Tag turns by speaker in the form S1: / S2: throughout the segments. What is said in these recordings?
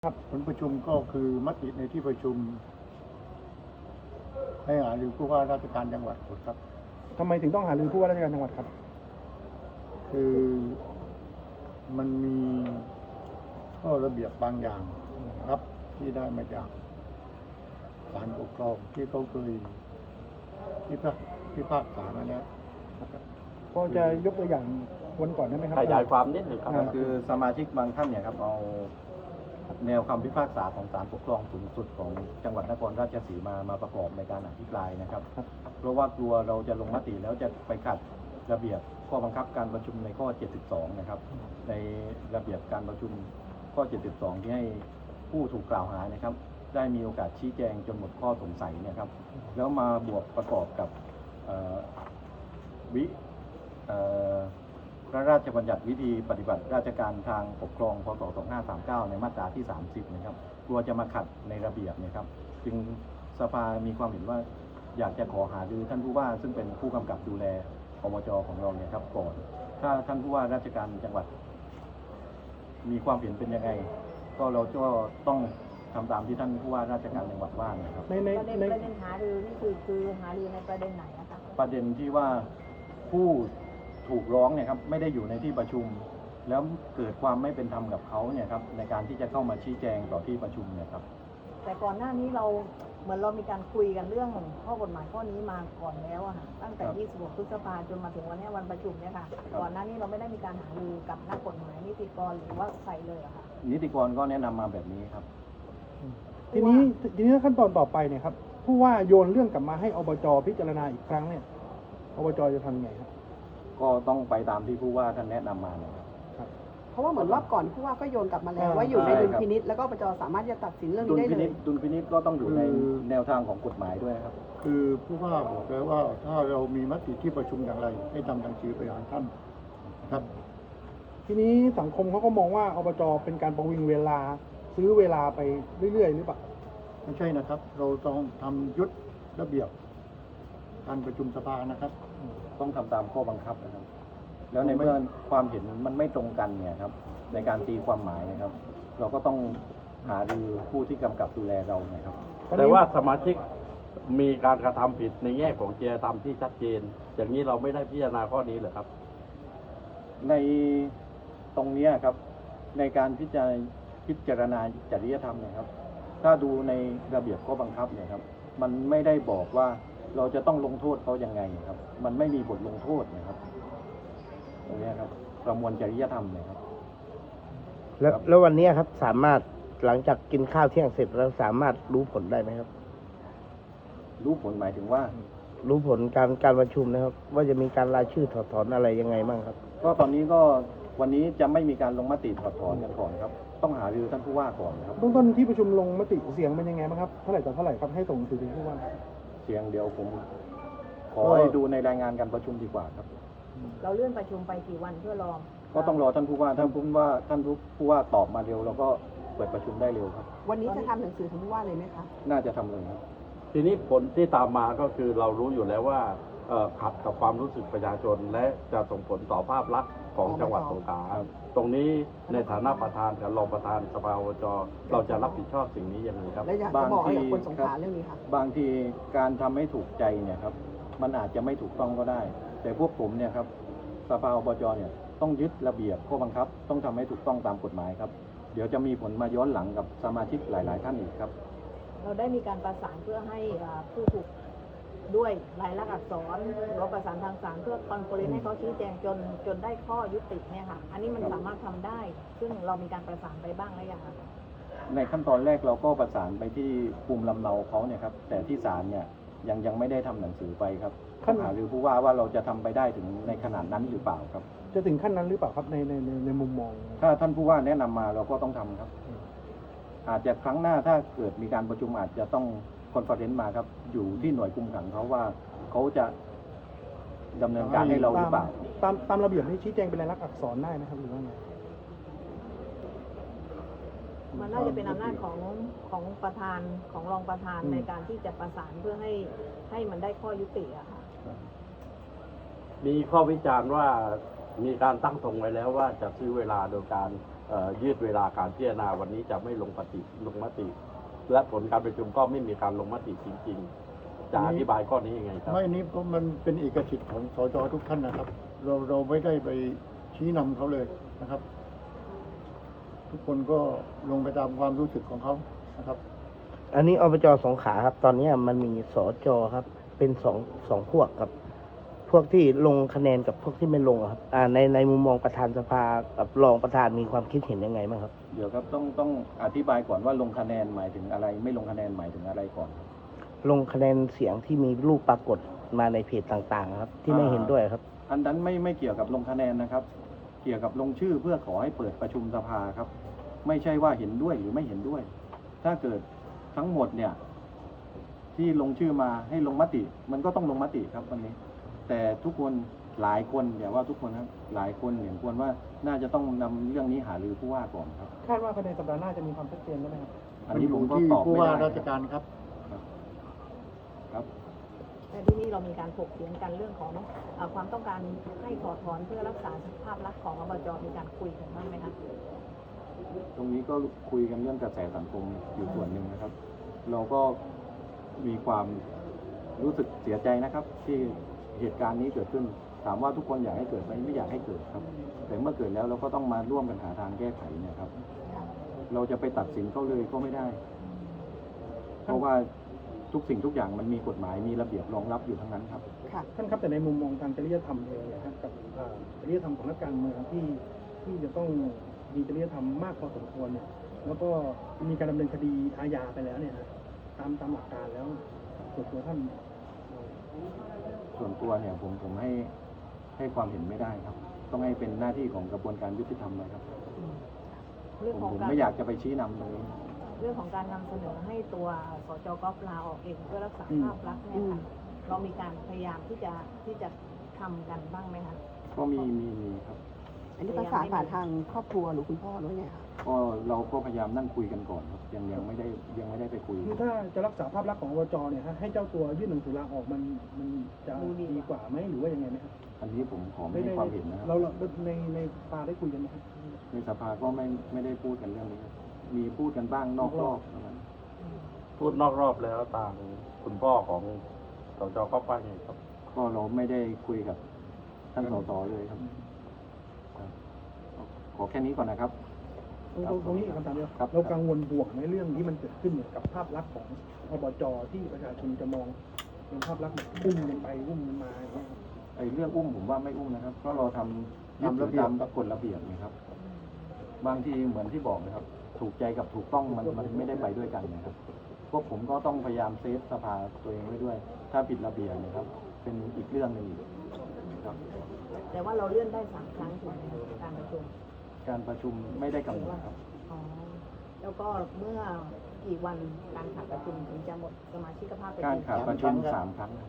S1: ครับผลประชุมก็คือมติในที่ประชุมให้หารือผู้ว่าราชการจังหวัดครับ
S2: ทำไมถึงต้องหารือผู้ว่าราชการจังหวัดครับ
S1: คือมันมีข้อระเบียบบางอย่างนะครับ ที่ได้มาจากศาลปกครองที่เขาเคยพิพากษามาแล้วนะครับ
S2: พอจะยกตัวอย่างวันก่อนได้ไหมครับ
S3: ขยายความนิดหนึ่งครับ
S4: คือสมาชิกบางท่านเนี่ยครับเอาแนวคำพิพากษาของศาลปกครองสูงสุดของจังหวัดนครราชสีมาประกอบในการอภิปรายนะครับ เพราะว่ากลัวเราจะลงมติแล้วจะไปขัดระเบียบข้อบังคับการประชุมในข้อ 72 นะครับ ในระเบียบการประชุมข้อ 72 ที่ให้ผู้ถูกกล่าวหานะครับ ได้มีโอกาสชี้แจงจนหมดข้อสงสัยนะครับ แล้วมาบวกประกอบกับพระราชบัญญัติวิธีปฏิบัติราชการทางปกครองพศ 2539 ในมาตราที่ 30 นะครับกลัวจะมาขัดในระเบียบนะครับจึงสภามีความเห็นว่าอยากจะขอหารือท่านผู้ว่าซึ่งเป็นผู้กำกับดูแลอบจ.ของเราเนี่ยครับก่อนถ้าท่านผู้ว่าราชการจังหวัดมีความเห็นเป็นยังไงก็เราก็ต้องทำตามที่ท่านผู้ว่าราชการจังหวัดว่านะครับ
S2: ใน
S5: ประเด็นหารือนี่คือหารือในประเด็นไหนนะคะ
S4: ประเด็นที่ว่าผู้ถูกร้องเนี่ยครับไม่ได้อยู่ในที่ประชุม แล้วเกิดความไม่เป็นธรรมกับเขาเนี่ยครับในการที่จะเข้ามาชี้แจงต่อที่ประชุมเนี่ยครับ
S5: แต่ก่อนหน้านี้เราเหมือนเรามีการคุยกันเรื่องข้อกฎหมายข้อนี้มาก่อนแล้วอะค่ะตั้งแต่ 26 พฤษภาคมจนมาถึงวันนี้วันประชุมเนี่ยค่ะก่อนหน้านี้เราไม่ได้มีการหารือกับนักกฎหมายนิติกรหรือว่าใครเลยอะค่ะ
S4: นิติกรก็แนะนำมาแบบนี้ครับ
S2: ทีนี้ขั้นตอนต่อไปเนี่ยครับผู้ว่าโยนเรื่องกลับมาให้อบจ.พิจารณาอีกครั้งเนี่ยอบจ.จะทำยังไงครับ
S4: ก็ต้องไปตามที่ผู้ว่าท่านแนะนำมานะครับ
S6: เพราะว่าเหมือนรอบก่อนผู้ว่าก็โยนกลับมาแล้วว่าอยู่ในดุลพินิจแล้วก็ปจสามารถจะตัดสินเรื่องนี้ได้เลย
S4: ดุลพินิจก็ต้องอยู่ในแนวทางของกฎหมายด้วยครับ
S1: คือผู้ว่าบอกแล้วว่าถ้าเรามีมติที่ประชุมอย่างไร ให้ทำหนังสือไปหาท่านครับ
S2: ทีนี้สังคมเขาก็มองว่าอบจ.เป็นการประวิงเวลาซื้อเวลาไปเรื่อยๆหรือเปล่า
S1: ไม่ใช่นะครับ เราต้องทำยุทธระเบียบการประชุมสภานะครับ
S4: ต้องทำตามข้อบังคับนะครับแล้วในเมื่อความเห็นมันไม่ตรงกันเนี่ยครับในการตีความหมายนะครับ เราก็ต้องหารือผู้ที่กำกับดูแลเราเนี่ยครับ
S3: แต่ว่าสมาชิกมีการกระทำผิดในแง่ของจริยธรรมที่ชัดเจนอย่างนี้เราไม่ได้พิจารณาข้อนี้เหรอครับ
S4: ในตรงนี้ครับในการพิจารณาจริยธรรมเนี่ยครับถ้าดูในระเบียบข้อบังคับเนี่ยครับมันไม่ได้บอกว่าเราจะต้องลงโทษเขายังไงครับมันไม่มีบทลงโทษนะครับตรงนี้ครับประมวลจริยธรรมเลยครับ
S7: แล้ววันนี้ครับสามารถหลังจากกินข้าวเที่ยงเสร็จแล้วสามารถรู้ผลได้ไหมครับ
S4: รู้ผลหมายถึงว่า
S7: รู้ผลการประชุมนะครับว่าจะมีการรายชื่อถอดถอนอะไรยังไงบ้างครับ
S4: ก็ตอนนี้ก็วันนี้จะไม่มีการลงมติถอดถอนกันก่อนครับต้องหารือท่านผู้ว่าก่อนครับ
S2: เบื้องต้นที่ประชุมลงมติเสียงเป็นยังไงบ้างครับเท่าไหร่ต่อเท่าไหร่ครับให้ส่งถึงผู้ว่า
S4: เสียงเดียวผมขอให้ดูในรายงานการประชุมดีกว่าครับ
S5: เราเลื่อนประชุมไปกี่วันเพื่อรอ
S4: ก็ต้องรอท่านผู้ว่าท่านผู้ว่าตอบมาเร็วแล้วก็เปิดประชุมได้เร็วครับ
S6: วันนี้จะทำหนังสือถึงผู้ว่าเลยไหมคะ
S4: น่าจะทำเลยครับ
S3: ทีนี้ผลที่ตามมาก็คือเรารู้อยู่แล้วว่าขัดกับความรู้สึกประชาชนและจะส่งผลต่อภาพลักษณ์ของจังหวัดสงขลาตรงนี้ในฐานะประธานกับรองประธานสภาอบจ.เราจะรับผิดชอบสิ่งนี้ยังไงครับ
S6: และอยากจะบอกให้กับคนสงขลาเรื่องนี้ค่ะ
S4: บางทีการทำให้ถูกใจเนี่ยครับมันอาจจะไม่ถูกต้องก็ได้แต่พวกผมเนี่ยครับสภาอบจ.เนี่ยต้องยึดระเบียบข้อบังคับต้องทำให้ถูกต้องตามกฎหมายครับเดี๋ยวจะมีผลมาย้อนหลังกับสมาชิกหลายๆท่านอีกครับ
S5: เราได้มีการประสานเพื่อให้ผู้ถูกด้วยลายลักษณ์อักษรหรือว่าประสานทางศาลเพื่อคอนเฟอเรนซ์ให้เขาชี้แจงจนได้ข้อยุติเนี่ยค่ะอันนี้มันสามารถทำได้ซึ่งเรามีการประสานไปบ้างแล้วยังคะ
S4: ในขั้นตอนแรกเราก็ประสานไปที่ภูมิลำเนาเขาเนี่ยครับแต่ที่ศาลเนี่ยยังไม่ได้ทำหนังสือไปครับต้องหารือผู้ว่าเราจะทำไปได้ถึงในขนาดนั้นหรือเปล่าครับ
S2: จะถึงขั้นนั้นหรือเปล่าครับในมุมมอง
S4: ถ้าท่านผู้ว่าแนะนำมาเราก็ต้องทำครับอาจจะครั้งหน้าถ้าเกิดมีการประชุมอาจจะต้องคอนเฟอเรนซ์มาครับอยู่ที่หน่วยคุมขังเขาว่าเขาจะดำเนินการให้เราหรือเปล่า
S2: ตามระเบียบนี้ชี้แจงเป็นลายลักษณ์อักษรได้ไหมครับหรือว่าไง
S5: มันน่าจะเป็นอำนาจของประธานของรองประธานในการที่จะประสานเพื่อให้มันได้ข้อยุติอะค่ะ
S3: มีข้อวิจารณ์ว่ามีการตั้งธงไว้แล้วว่าจะซื้อเวลาโดยการยืดเวลาการพิจารณาวันนี้จะไม่ลงมติ และผลการประชุมก็ไม่มีการลงมติจริงๆจะอธิบายข้อนี้ยังไงครับ
S1: ไม่นี้เพราะมันเป็นเอกสิทธิ์ของสจทุกท่านนะครับ เราไม่ได้ไปชี้นำเขาเลยนะครับ ทุกคนก็ลงไปตามความรู้สึกของเขานะครับ
S7: อันนี้อบจสงขลาครับ ตอนนี้มันมีสจครับ เป็นสองพวกครับ พวกที่ลงคะแนนกับพวกที่ไม่ลงอะครับในมุมมองประธานสภากับรองประธานมีความคิดเห็นยังไงบ้างครับ
S4: เดี๋ยวครับต้องอธิบายก่อนว่าลงคะแนนหมายถึงอะไร ไม่ลงคะแนนหมายถึงอะไรก่อนครับ
S7: ลงคะแนนเสียงที่มีรูปปรากฏมาในเพจต่างๆครับ ที่ไม่เห็นด้วยครับ
S4: อันนั้นไม่เกี่ยวกับลงคะแนนนะครับ เกี่ยวกับลงชื่อเพื่อขอให้เปิดประชุมสภาครับ ไม่ใช่ว่าเห็นด้วยหรือไม่เห็นด้วย ถ้าเกิดทั้งหมดเนี่ยที่ลงชื่อมาให้ลงมติ มันก็ต้องลงมติครับวันนี้ แต่ทุกคนหลายคนอย่าว่าทุกคนครับหลายคนเห็นควรว่าน่าจะต้องนำเรื่องนี้หารือผู้ว่าก่อนครับ
S2: คาดว่าภายในสัปดาห์หน้าจะมีความชัดเจนได้ไหมครับ
S4: อันนี้ผมก็
S1: ที่
S4: ตอบ
S1: ผู้
S4: ไม่
S1: ว่า
S4: ได้
S1: ราชการครับ
S4: ครับ
S5: แต่ที่นี่เรามีการถกเถียงกันเรื่องของความต้องการให้ถอดถอนเพื่อรักษาภาพลักษณ์ของอบจมีการคุยกันบ้างไหมคะ
S4: ตรงนี้ก็คุยกันเรื่องกระแสสังคมอยู่ส่วนหนึ่งนะครับ เราก็มีความรู้สึกเสียใจนะครับ ที่เหตุการณ์นี้เกิดขึ้น ถามว่าทุกคนอยากให้เกิดไหมไม่อยากให้เกิดครับ แต่เมื่อเกิดแล้วเราก็ต้องมาร่วมกันหาทางแก้ไขเนี่ยครับ เราจะไปตัดสินเขาเลยก็ไม่ได้ เพราะว่าทุกสิ่งทุกอย่างมันมีกฎหมายมีระเบียบรองรับอยู่ทั้งนั้นครับ
S6: ค่ะ
S2: ท่านครับแต่ในมุมมองทางจริยธรรมเองเนี่ยครับกับจริยธรรมของนักการเมืองที่จะต้องมีจริยธรรมมากพอสมควรเนี่ยแล้วก็มีการดำเนินคดีอาญาไปแล้วเนี่ยฮะตามหลักการแล้วส่วนตัวท่าน
S4: ส่วนตัวเนี่ยผมให้ความเห็นไม่ได้ครับ ต้องให้เป็นหน้าที่ของกระบวนการยุติธรรมเลยครับ
S5: เรื่อง
S4: ผม
S5: ของ
S4: ผม
S5: การ
S4: ไม่อยากจะไปชี้นำตรงนี้
S5: เรื่องของการนำเสนอให้ตัวสจก๊อฟลาออกเองเพื่อรักษาภาพลักษณ์เนี่ยค่ะเรามีการพยายามที่จะทำกันบ้างไหมคะ
S4: ก็มีครับ
S6: อันนี้ประสานผ่านทางครอบครัวหรือคุณพ่อหรือไงคะ
S4: ก็เราก็พยายามนั่งคุยกันก่อนครับยังไม่ได้ไปคุย
S2: คือถ้าจะรักษาภาพลักษณ์ของอบจเนี่ยฮะให้เจ้าตัวยื่นหนังสือลาออกมันจะดีกว่าไหมหรือว่ายังไงไหมครับ
S4: อันนี้ผมขอไม่ให้ความเห็นนะครับ
S2: เราในปาได้คุยกันไหมครับ
S4: ในสภาก็ไม่ได้พูดกันเรื่องนี้ครับมีพูดกันบ้างนอกรอบเท่านั้น
S3: พูดนอกรอบแล้วทางคุณพ่อของสจก็ว่าไงครับ
S4: ก็เราไม่ได้คุยกับท่านสสเลยครับขอแค่นี้ก่อนนะครับ
S2: ตรงนี้อีกคำถามเดียว
S4: ครับ
S2: เรากังวลบวกในเรื่องที่มันเกิดขึ้นกับภาพลักษณ์ของอบจที่ประชาชนจะมองเป็นภาพลักษณ์แบบอุ้มกันไปอุ้มกันมาอย่างเงี้ยครับ
S4: ไอ้เรื่องอุ้มผมว่าไม่อุ้มนะครับเพราะเราทำระเบียบตามกฎระเบียบนะครับ บางทีเหมือนที่บอกนะครับ ถูกใจกับถูกต้องมันไม่ได้ไปด้วยกันนะครับพวกผมก็ต้องพยายามเซฟสภาตัวเองไว้ด้วย ถ้าผิดระเบียบนะครับ เป็นอีกเรื่องหนึงอีกครับ
S5: แต่ว่าเราเลื่อนได้3 ครั้งถูกไหมคะการประชุม
S4: การประชุมไม่ได้กำหนดครับ
S5: อ๋อแล้วก็เมื่อกี่วันการขาดประชุมถึงจะหมดสมาชิกภาพไป
S4: การขาดประชุม
S1: 3
S4: 3 ครั้ง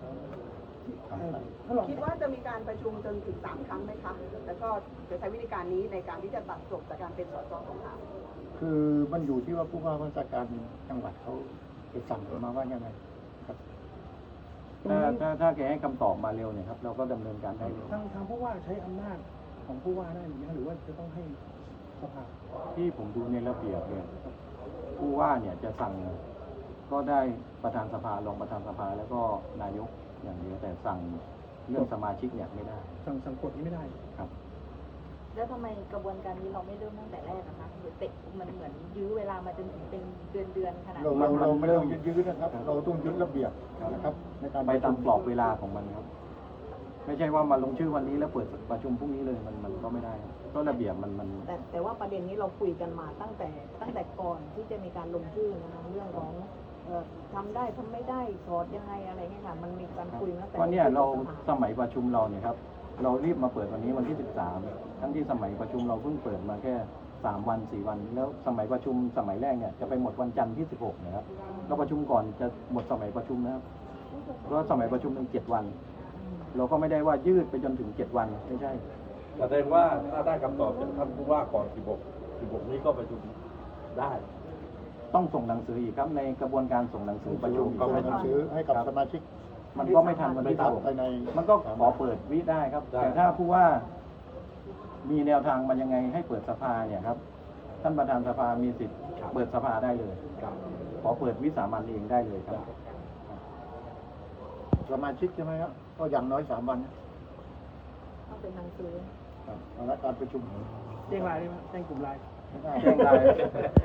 S2: ถ้าลอง
S6: คิดว่าจะมีการประชุมจนถึง3 ครั้งไหมคะ แล้วก็จะใช้วิธีการนี้ในการที่จะตัดจบจากการเป็นสสสงขลา
S1: คือมันอยู่ที่ว่าผู้ว่าราชการจังหวัดเขาจะสั่งมาว่ายังไงครับ
S4: ถ้าแกให้คำตอบมาเร็วเนี่ยครับ เราก็ดำเนินการได้เร็ว
S2: ทางผู้ว่าใช้อำนาจของผู้ว่าได้ไหมหรือว่าจะต้องให้สภา
S4: ที่ผมดูในระเบียบเนี่ยผู้ว่าเนี่ยจะสั่งก็ได้ประธานสภารองประธานสภาแล้วก็นายกอย่างเดียวแต่สั่งเรื่องสมาชิกเนี่ยไม่ได้
S2: สั่งกฎนี้ไม่ได้
S4: ครับ
S5: แล้วทำไมกระบวนการนี้เราไม่เริ่มตั้งแต่แรกนะคะหรือเตะมันเหมือนยื้อเวลามาจนถึงเป็นเดือนขนาด
S1: เรา
S5: นี้
S1: เราไม่ต้องยืดนะครับ เราต้องยึดระเบียบนะครับ ในการ
S4: ไปตามกรอบเวลาของมันครับ ไม่ใช่ว่ามาลงชื่อวันนี้แล้วเปิดประชุมพรุ่งนี้เลยมันก็ไม่ได้ครับก็ระเบียบมัน
S5: แต่ว่าประเด็นนี้เราคุยกันมาตั้งแต่ก่อนที่จะมีการลงชื่อนะคะเรื่องของทำได้ทำไม่ได้สอดยังไงอะไรเงี้ยค่ะมันมีการคุยมาตั้งแต่
S4: เพราะเนี่ยเรา
S5: ลงชื่อ
S4: สมัยประชุมเราเนี่ยครับ เรารีบมาเปิดวันนี้วันที่ 13 ทั้งที่สมัยประชุมเราเพิ่งเปิดมาแค่3 วัน 4 วัน แล้วสมัยประชุมสมัยแรกเนี่ยจะไปหมดวันจันทร์ที่ 16 นะครับเราประชุมก่อนจะหมดสมัยประชุมนะครับเพราะสมัยประชุมเป็น7 วัน เราก็ไม่ได้ว่ายืดไปจนถึง7 วันไม่ใช่
S3: แสดงว่าถ้าได้คำตอบจากท่านผู้ว่าก่อน 16 นี้ก็ประชุมได้
S4: ต้องส่งหนังสืออีกครับในกระบวนการส่งหนังสือประชุม
S1: ก็ไม่ต้องซื้อให้กับสมาชิก
S4: มันก็ไม่ทันวันที่
S1: ไปใน
S4: 16มันก็ขอเปิดวิได้ครับ
S3: ได้
S4: แต่ถ้าผู้ว่ามีแนวทางมันยังไงให้เปิดสภาเนี่ยครับ ท่านประธานสภามีสิทธิ์เปิดสภาได้เลย
S3: ครับ
S4: ขอเปิดวิสามันเองได้เลยครับ
S1: สมาชิกใช่ไหมครับก็อย่างน้อย3 วันนะ
S5: ต้องเป็นหนังสือ
S1: ครับแล้วการประชุม
S2: แจ้งรายได้ไหมแจ้งกลุ่มราย
S1: ไม่ได้
S4: แจ้งราย